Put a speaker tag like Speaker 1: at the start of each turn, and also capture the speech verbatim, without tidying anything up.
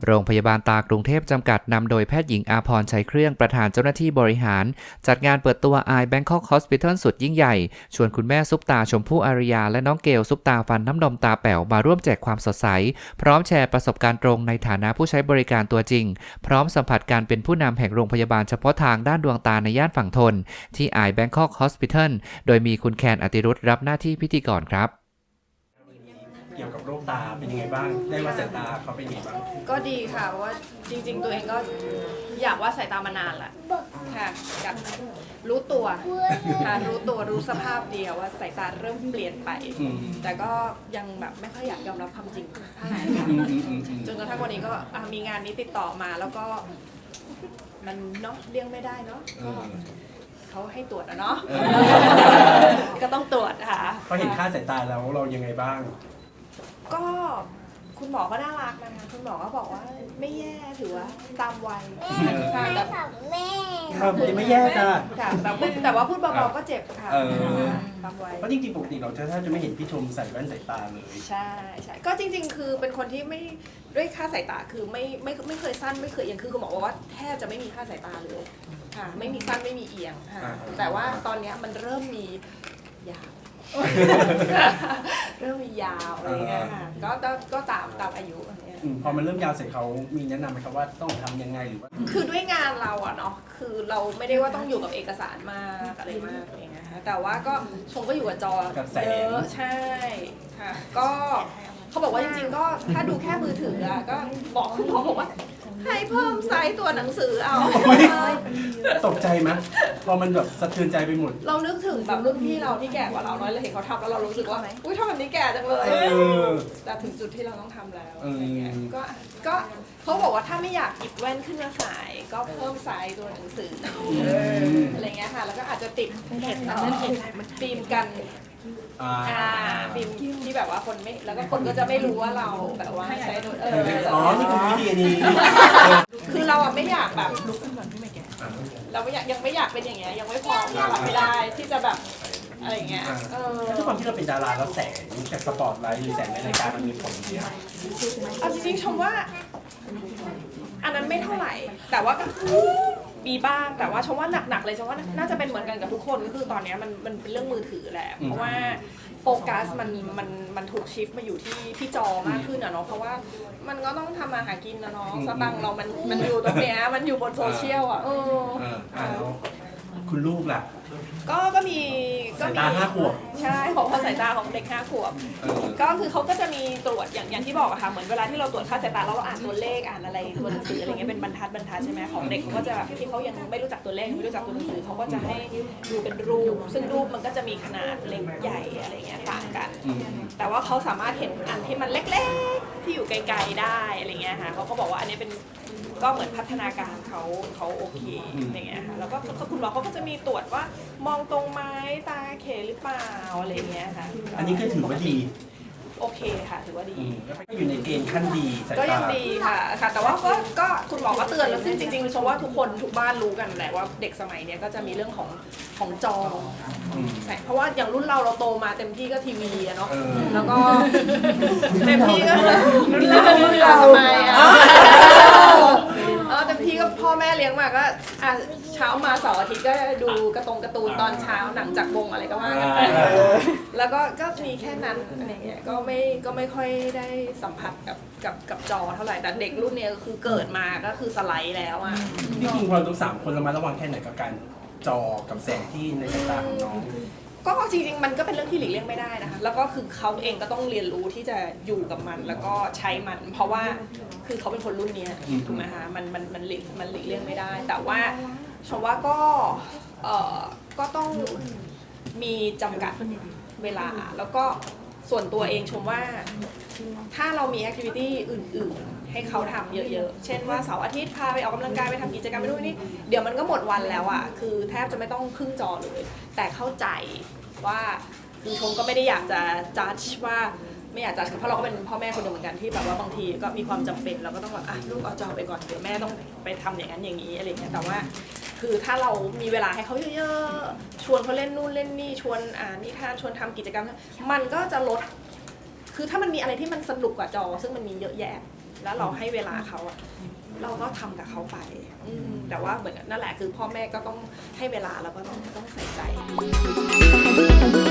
Speaker 1: โรงพยาบาลตากรุงเทพจำกัดนำโดยแพทย์หญิงอาภรณ์ชัยเครื่องประธานเจ้าหน้าที่บริหารจัดงานเปิดตัว Eye Bangkok Hospital สุดยิ่งใหญ่ชวนคุณแม่ซุปตาชมพู่อารยาและน้องเกลซุปตาฟันน้ำนมตาแป๋วมาร่วมแจกความสดใสพร้อมแชร์ประสบการณ์ตรงในฐานะผู้ใช้บริการตัวจริงพร้อมสัมผัสการเป็นผู้นำแห่งโรงพยาบาลเฉพาะทางด้านดวงตาในย่านฝั่งทนที่ Eye Bangkok Hospital โดยมีคุณแคนอติรุตรับหน้าที่พิธีกรครับ
Speaker 2: เกี่ยวกับโรคตาเป็นยังไงบ้างได้วัดสายตาเขาเป็นยังไงบ้าง
Speaker 3: ก็ดีค่ะเพราะว่าจริงๆตัวเองก็อยากว่าสายตามานานแหละค่ะกับรู้ตัวค่ะรู้ตัวรู้สภาพเดียวว่าสายตาเริ่มเปลี่ยนไปแต่ก็ยังแบบไม่ค่อยอยากยอมรับความจริงเท่าไหร่ค่ะจนกระทั่งวันนี้ก็มีงานนี้ติดต่อมาแล้วก็มันเนาะเลี่ยงไม่ได้เนาะเขาให้ตรวจอะเนาะก็ต้องตรวจค่ะ
Speaker 2: พอเห็นค่าสายตาแล้วเรายังไงบ้าง
Speaker 3: ก็คุณหมอก็น่ารักนะคะคุณหมอก็บอกว่าไม่แย่ถือว่าตามวัยค่ะแต่
Speaker 4: แม่
Speaker 2: ครับไม่แย่จ้ะ
Speaker 3: ค่ะแต่พูดแต่ว่าพูดเบาๆก็เจ็บค่ะตามวัย
Speaker 2: เพราะจริงๆปกติเราจะแทบจะไม่เห็นพี่ชมใส่แว่นสายตาเลย
Speaker 3: ใช่ใช่ก็จริงๆคือเป็นคนที่ไม่ด้วยค่าสายตาคือไม่ไม่ไม่เคยสั้นไม่เคยเอียงคือคุณหมอบอกว่าแทบจะไม่มีค่าสายตาเลยค่ะไม่มีสั้นไม่มีเอียงค่ะแต่ว่าตอนนี้มันเริ่มมียาวเริ่มมียาวอะไรเงี้ยค่ะก็ก็ตามตามอายุอะไรเงี้ย
Speaker 2: พอมันเริ่มยาวเสร็จเขามีแนะนำไหมครับว่าต้องทำยังไงหรือว่า
Speaker 3: คือด้วยงานเราอะเนาะคือเราไม่ได้ว่าต้องอยู่กับเอกสารมากอะไรมากอะไรเงี้ยแต่ว่าก็ชมก็อยู่กับจอเยอะใช่ค่ะก็เขาบอกว่าจริงๆก็ถ้าดูแค่มือถืออะก็บอกคุณหมอบอกว่าให้เพิ่มไซส์ตัวหนังสือเอา
Speaker 2: ตกใจไหมพอมันแบบสะเทือนใจไปหมด
Speaker 3: เรานึกถึงแบบรุ่นพี่เราที่แก่กว่าเราน้อยเราเห็นเขาทำแล้วเรารู้สึกว่าอุ้ยทำแบบนี้แก่จังเลยแต่ถึงจุดที่เราต้องทำแล้วอะไรเงี้ยก็ก็เขาบอกว่าถ้าไม่อยากหยิบแว่นขึ้นมาใส่ก็เพิ่มไซส์ตัวหนังสืออะไรเงี้ยค่ะแล้วก็อาจจะติดเห็นฟิล์มกันอ่าฟิล์มที่แบบว่าคนไม่แล้วก็คนก็จะไม่รู้ว่าเราแบบว่าใช้โดยเออ
Speaker 2: อ๋อนี่คือวิธีนี้
Speaker 3: คือเราอะไม่อยากแบบลุกขึ้นมาที่ไม่แก่เราไม่อยากยังไม่อยากเป็นอย่างเงี้ยยังไม่พร้อมยังไม่ได้ที่จะแบบอะไรเงี้ยเออ
Speaker 2: ทุกความที่เราเป็นดาราแล้วแสงจากสปอตไลท์หรือแสงในรายการมันมีผลเยอะ
Speaker 3: เอาจริงๆชมว่าอันนั้นไม่เท่าไหร่แต่ว่าก็มีบ้างแต่ว่าชมว่าหนักๆเลยชมว่าน่าจะเป็นเหมือนกันกับทุกคนก็คือตอนนี้มันมันเป็นเรื่องมือถือแหละเพราะว่าโฟกัสมันมันมันถูกชิฟมาอยู่ที่ที่จอมากขึ้นอะเนาะเพราะว่ามันก็ต้องทำมาหากินนะเนาะสตังค์เรามันมันอยู่ตรงเนี้ยมันอยู่บนโซเชียลอะเออ
Speaker 2: คุณลูกล่ะ
Speaker 3: ก็ก็มี
Speaker 2: สายตาห้าขวบ
Speaker 3: ใช่ของสายตาของเด็กห้าขวบก็คือเขาก็จะมีตรวจอย่างอย่างที่บอกอะค่ะเหมือนเวลาที่เราตรวจค่าสายตาเราอ่านตัวเลขอ่านอะไรตัวหนังสืออะไรเงี้ยเป็นบรรทัดบรรทัดใช่ไหมของเด็กเขาก็จะที่เขายังไม่รู้จักตัวเลขไม่รู้จักตัวหนังสือเขาก็จะให้ดูเป็นรูปซึ่งรูปมันก็จะมีขนาดเล็กใหญ่อะไรเงี้ยต่างกันแต่ว่าเขาสามารถเห็นอันที่มันเล็กๆที่อยู่ไกลๆได้อะไรเงี้ยค่ะเขาก็บอกว่าอันนี้เป็นก็เหมือนพัฒนาการเขาเขาโอเคอย่างเงี้ยค่ะแล้วก็คุณหมอเขาก็จะมีตรวจว่ามองตรงไหมตาเขหรือเปล่าอะไรเงี้ยค่ะ
Speaker 2: อันนี้ก็ถือว่าดี
Speaker 3: โอเคค่ะถือว่าดี
Speaker 2: ก็อยู่ในเกณฑ์ขั้นดี
Speaker 3: ก็ยังดีค่ะค่ะแต่ว่าก็ก็คุณหมอก็เตือนแล้วซึ่งจริงๆชมว่าทุกคนทุกบ้านรู้กันแหละว่าเด็กสมัยนี้ก็จะมีเรื่องของของจอเพราะว่าอย่างรุ่นเราเราโตมาเต็มที่ก็ทีวีอะเนาะแล้วก็เต็มที่ก็รุ่นเรารุ่นเราทำไมอะเออเต็มที่ก็พ่อแม่เลี้ยงมาก็อ่ะเช้ามาเสาร์อาทิตย์ก็ดูกระตงการ์ตูนตอนเช้าหนังจากวงอะไรก็ว่ากันไปแล้วก็ก็มีแค่นั้นอะไรเงี้ยก็ไม่ก็ไม่ค่อยได้สัมผัสกับกับกับจอเท่าไหร่แต่เด็กรุ่นนี้ก็คือเกิดมาก็คือสไลด์แล้วอ่ะ
Speaker 2: พี่คิงพอทั้งสามคนระมัดระวังแค่ไหนกับการจอกับแสงที่ในสายตาของน้อง
Speaker 3: ก็จริงๆมันก็เป็นเรื่องที่หลีกเลี่ยงไม่ได้นะคะแล้วก็คือเขาเองก็ต้องเรียนรู้ที่จะอยู่กับมันแล้วก็ใช้มันเพราะว่าคือเขาเป็นคนรุ่นนี้ถูกไหมคะมันมันมันหลีกมันหลีกเลี่ยงไม่ได้แต่ว่าชมว่าก็เอ่อก็ต้องมีจำกัดเวลาแล้วก็ส่วนตัวเองชมว่าถ้าเรามีแอคทิวิตี้อื่นๆให้เขาทำเยอะๆเช่นว่าเสาร์อาทิตย์พาไปออกกำลังกายไปทำกิจกรรมไปด้วยนี่เดี๋ยวมันก็หมดวันแล้วอ่ะคือแทบจะไม่ต้องครึ่งจอเลยแต่เข้าใจว่าคือชมก็ไม่ได้อยากจะจัดว่าไม่อยากจัดเพราะเราก็เป็นพ่อแม่คนหนึ่งเหมือนกันที่แบบว่าบางทีก็มีความจำเป็นเราก็ต้องแบบอ่ะลูกเอาจอไปก่อนเดี๋ยวแม่ต้องไปทำอย่างนั้นอย่างนี้อะไรเงี้ยแต่ว่าคือถ้าเรามีเวลาให้เขาเยอะๆชวนเขาเล่นนู่นเล่นนี่ชวนอ่านนิทานชวนทำกิจกรรมมันก็จะลดคือถ้ามันมีอะไรที่มันสนุกกว่าจอซึ่งมันมีเยอะแยะแล้วเราให้เวลาเขาอะเราก็ทำกับเขาไปอืมแต่ว่าเหมือนนั่นแหละคือพ่อแม่ก็ต้องให้เวลาแล้วก็ต้องต้องใส่ใจ